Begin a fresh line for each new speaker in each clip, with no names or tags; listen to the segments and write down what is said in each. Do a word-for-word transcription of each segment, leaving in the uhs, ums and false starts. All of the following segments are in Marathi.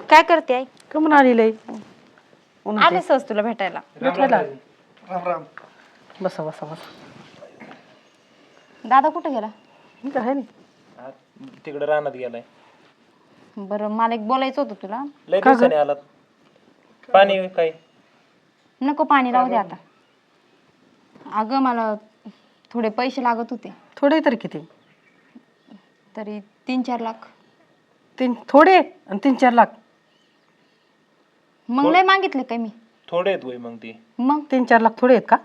काय करते आई?
कमून आलेलं
आले सहज तुला भेटायला.
भेटायला
राम राम.
बसा बसा बसा.
दादा कुठे गेला?
मी काय नाही.
तिकडे रानात गेलाय.
बरं मला एक बोलायचं होतं तुला.
लय दिवसाने आलात. पाणी काय?
नको पाणी राहू दे आता. अगं मला थोडे पैसे लागत होते.
थोडे तरी किती?
तरी तीन चार लाख.
तीन थोडे आणि तीन चार लाख
मग लय मागितले काय मी?
थोडे आहेत वय मग ती.
मग
तीन चार लाख थोडे आहेत का?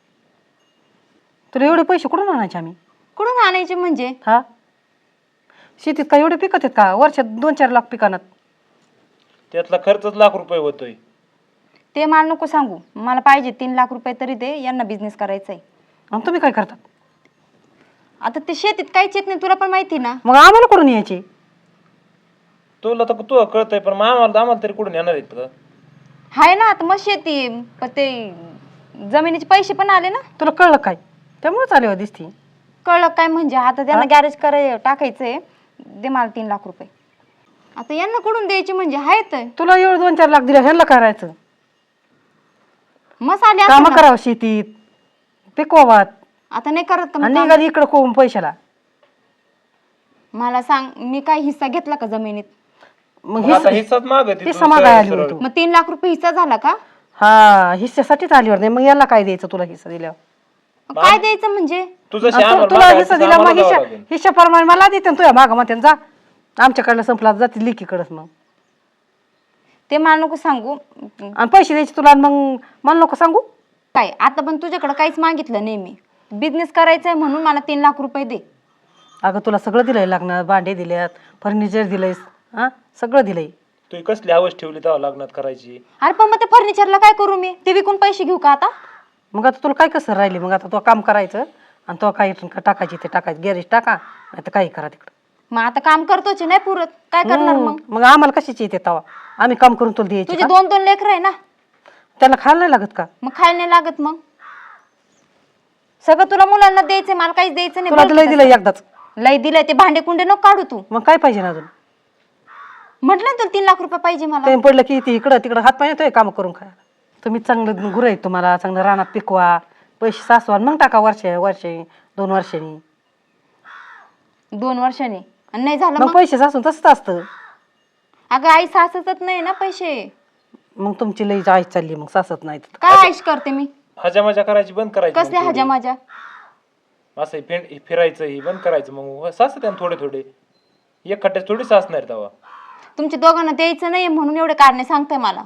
तुला एवढे पैसे कुठून आणायचे आम्ही?
कुठून आणायचे म्हणजे?
हा शेतीत का एवढे पिकत आहेत का? वर्षात दोन चार लाख पिकानात.
त्यातला खर्चच लाख रुपये होतोय.
ते मला नको सांगू. मला पाहिजे तीन लाख रुपये तरी दे. यांना बिझनेस करायचा आहे.
आणि तुम्ही काय करतात?
आता ते शेतीत काहीच येत नाही तुला पण माहिती ना.
मग आम्हाला कुठून यायचे?
तुला तर तू कळतंय पण मग आम्हाला आम्हाला तरी कुठून येणार आहेत का?
हाय ना आता मग शेती आहे. पण ते जमिनीचे पैसे पण आले ना.
तुला कळलं काय? त्यामुळेच आले हो दिसती.
कळलं काय म्हणजे? आता त्यांना गॅरेज कराय टाकायचंय. दे मला तीन लाख रुपये. आता यांना कुठून द्यायचे म्हणजे? आहेत
तुला एवढं दोन चार लाख दिले ह्यांना करायचं.
मस आले
काम
असं ना.
करावं शेतीत पिकवावात
आता नाही करत का मग
आणि
काम?
निघाली इकडं कोण पैशाला.
मला सांग मी काय हिस्सा घेतला का जमिनीत?
मग
मग आता
हिस्सा
हिस्साच मागत
हिस्सा मागाय आली होती तू.
मग तीन लाख रुपये हिस्सा झाला का?
हा हिस्स्यासाठीच आलीवर नाही. मग याला काय द्यायचं तुला हिस्सा दिल्यावर?
मग काय द्यायचं म्हणजे?
तुझं
आणि तु- तुला हिस्सा दिला मग हिस्सा हिस्साप्रमाणे मला देते ना तुझ्या मागं म्हणते जा आमच्याकडलं संपला जाते लिकीकडच. मग
ते मला नको सांगू.
आणि पैसे द्यायचे तुला आणि मग मला नको सांगू.
काय आता पण तुझ्याकडे काहीच मागितलं नाही मी. बिझनेस करायचा आहे म्हणून मला तीन लाख रुपये दे.
अगं तुला सगळं दिलंय लागणार. भांडे दिल्यात फर्निचर दिलंयस हा सगळं दिलंय.
तू कसली आवाज ठेवली तेव्हा लग्नात करायची.
अरे पण मग ते फर्निचरला काय करू मी? ते विकून पैसे घेऊ का आता?
मग आता तुला काय कसं राहिली? मग आता तू काम करायचं आणि तो काही टाकायची ते टाकायचं गॅरेज टाका नाही तर काही करा तिकडं.
मग आता काम करतोच नाही पुरत काय करणार मग?
मग आम्हाला कशाची येते तवा? आम्ही काम करून तुला द्यायची
तुझे
का?
दोन दोन लेकर आहे ना.
त्याला खायला नाही लागत का?
मग खायला नाही लागत. मग सगळं तुला मुलांना द्यायचंय मला काहीच द्यायचं
तुला तर लय
नाही.
दिलं एकदाच.
लय दिलंय ते भांडे कुंडे नको काढू तू.
मग काय पाहिजे ना अजून?
म्हटलं ना तुला तीन लाख रुपये पाहिजे मला.
टाइम पडलं की ती इकडं तिकडं हात पाय येतोय काम करून खायला. तुम्ही चांगलं गुरं आहेत तुम्हाला चांगलं रानात पिकवा पैसे सासवा मग टाका वर्ष वर्षे दोन वर्षांनी.
दोन वर्षांनी आणि नाही झालं
मग
मग?
पैसे सासून तसंच असतं.
अगं आई सासतच नाही ना पैसे.
मग तुमची लई आईश चालली मग सासत नाही.
काय आईश करते मी?
हजा मजा करायची बंद करायची.
कसले हजा माझ्या?
असं फिर फिरायचं ही बंद करायचं. मग सास त्यानं थोडे थोडे एक खट्ट्यात थोडी सासणार तेव्हा.
तुमच्या दोघांना द्यायचं नाही म्हणून एवढे कारणे सांगताय मला.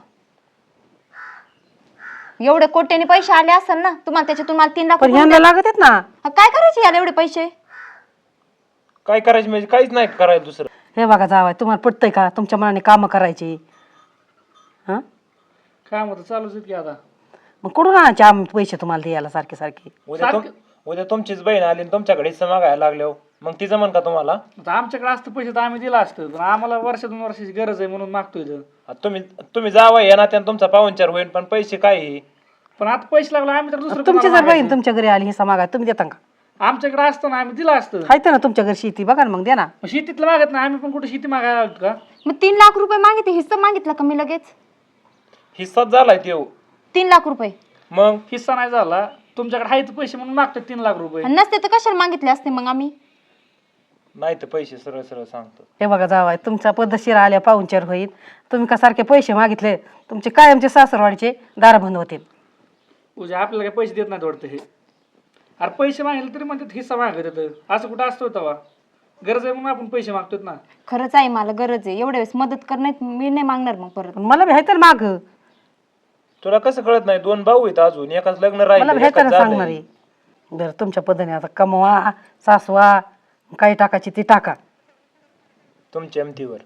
एवढे कोट्याने पैसे आले असेल ना तुम्हाला त्याच्यातून मला तीन लाख
पण
रुपये
ह्यांना
द्या.
लागत आहेत ना.
हा, काय करायचे याला एवढे पैसे?
काय करायचं म्हणजे काहीच नाही करायला दुसरं.
हे बघा जावाय तुम्हाला पटतंय का तुमच्या मनाने कामं करायची? हा
काम होतं चालूच आहेत की आता.
मग कुठून आणायचे आम्ही पैसे तुम्हाला द्यायला सारखे सारखे?
उद्या तुम उद्या तुमचीच बहीण आली आणि तुमच्याकडे हिस्सा मागायला लागल्यावर मग ती जमन का तुम्हाला?
आता आमच्याकडे असतं पैसे तर आम्ही दिला असतं पण आम्हाला वर्ष दोन वर्षाची गरज आहे म्हणून मागतोय इथं.
आता तुम्ही तुम्ही जावं या ना त्यानं तुमचा पाहुणचार होईल पण पैसे काय हे?
पण आता पैसे लागले आम्ही तर दुसरं
तुमची
कोणाला
जर बहीण
मागायचं?
तुमच्या घरी आली हिस्सा मागाय तुम्ही देता का?
आमच्याकडे असतं ना आम्ही दिला असतं.
हायत ना तुमच्या घरी शेती बघा ना मग द्या ना.
मग शेतीतलं मागत नाही आम्ही पण कुठे शेती मागायला आलो का?
मग तीन लाख रुपये मागितले हिस्सा मागितला का मी लगेच?
हिस्साच झालाय ते.
तीन लाख रुपये
मग
हिस्सा नाही झाला तुमच्याकडे आहेत पैसे म्हणून मागतोय तीन लाख रुपये.
आणि नसते तर कशाला मागितले असते मग आम्ही?
नाही तर पैसे सरळ सरळ सांगतो.
हे बघा जावाय तुमचा पद्धतशीर आल्या पाहुणचार होईल. तुम्ही का सारखे पैसे मागितले तुमचे कायमचे सासरवाडीचे दार बंद होतील.
उद्या आपल्याला काही पैसे देत नाही वाटतं हे. अरे पैसे मागितले तरी म्हणतात हिस्सा मागत येतं. असं कुठं असतो तेव्हा? गरज आहे म्हणून आपण पैसे मागतोय ना.
खरंच आहे मला गरज आहे. एवढ्या वेळेस मदत करण्यात मी नाही मागणार मग परत.
पण मला भेटायला माग
तुला कसं कळत नाही? दोन भाऊ आहेत अजून एकाच लग्न
मला
राहिलं
भेटायला
एकाच
सांगणार
झालंय.
आहे. बरं तुमच्या पद्धतीने आता कमवा सासवा काही टाकायची ती टाका.
तुमच्या एमतीवर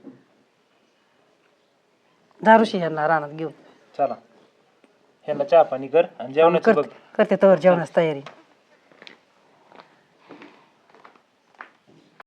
दारूशी यांना रानात घेऊन
चला ह्याला चहा पाणी कर आणि जेवणाची बघ.
करते करते तर जेवणाची तयारी.